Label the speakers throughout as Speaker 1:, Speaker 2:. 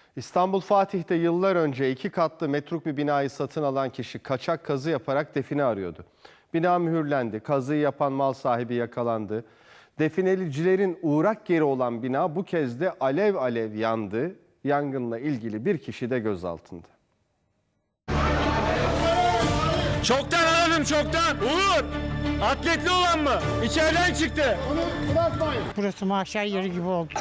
Speaker 1: İstanbul Fatih'te yıllar önce 2 katlı metruk bir binayı satın alan kişi kaçak kazı yaparak define arıyordu. Bina mühürlendi, kazıyı yapan mal sahibi yakalandı. Definecilerin uğrak yeri olan bina bu kez de alev alev yandı. Yangınla ilgili bir kişi de gözaltında.
Speaker 2: Çoktan aradım çoktan. Uğur! Atletli olan mı? İçeriden çıktı.
Speaker 3: Burası mahşer yeri gibi oldu.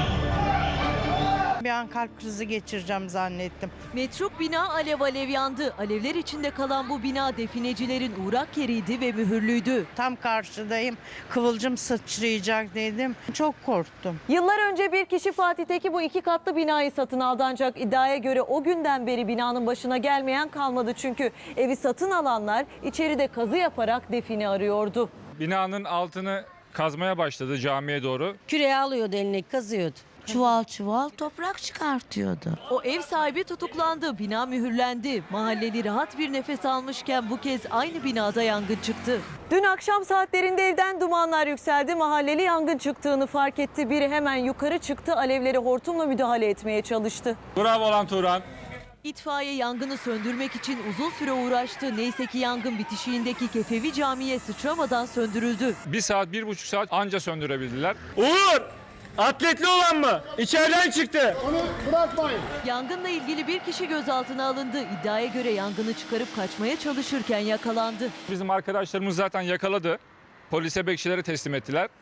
Speaker 3: Bir an kalp krizi geçireceğim zannettim.
Speaker 4: Metruk bina alev alev yandı. Alevler içinde kalan bu bina definecilerin uğrak yeriydi ve mühürlüydü.
Speaker 3: Tam karşıdayım. Kıvılcım sıçrayacak dedim. Çok korktum.
Speaker 4: Yıllar önce bir kişi Fatih'teki bu 2 katlı binayı satın aldı, ancak iddiaya göre o günden beri binanın başına gelmeyen kalmadı. Çünkü evi satın alanlar içeride kazı yaparak define arıyordu.
Speaker 5: Binanın altını kazmaya başladı camiye doğru.
Speaker 6: Küreği alıyordu, eline kazıyordu. Çuval çuval toprak çıkartıyordu.
Speaker 4: O ev sahibi tutuklandı, bina mühürlendi. Mahalleli rahat bir nefes almışken bu kez aynı binada yangın çıktı. Dün akşam saatlerinde evden dumanlar yükseldi. Mahalleli yangın çıktığını fark etti. Biri hemen yukarı çıktı, alevlere hortumla müdahale etmeye çalıştı.
Speaker 5: Bravo lan Turan.
Speaker 4: İtfaiye yangını söndürmek için uzun süre uğraştı. Neyse ki yangın bitişiğindeki Kefevi Camii'ye sıçramadan söndürüldü.
Speaker 5: 1 saat, 1,5 saat anca söndürebildiler.
Speaker 2: Uğur! Atletli olan mı? İçeriden çıktı.
Speaker 4: Yangınla ilgili bir kişi gözaltına alındı. İddiaya göre yangını çıkarıp kaçmaya çalışırken yakalandı.
Speaker 5: Bizim arkadaşlarımız zaten yakaladı. Polise, bekçilere teslim ettiler.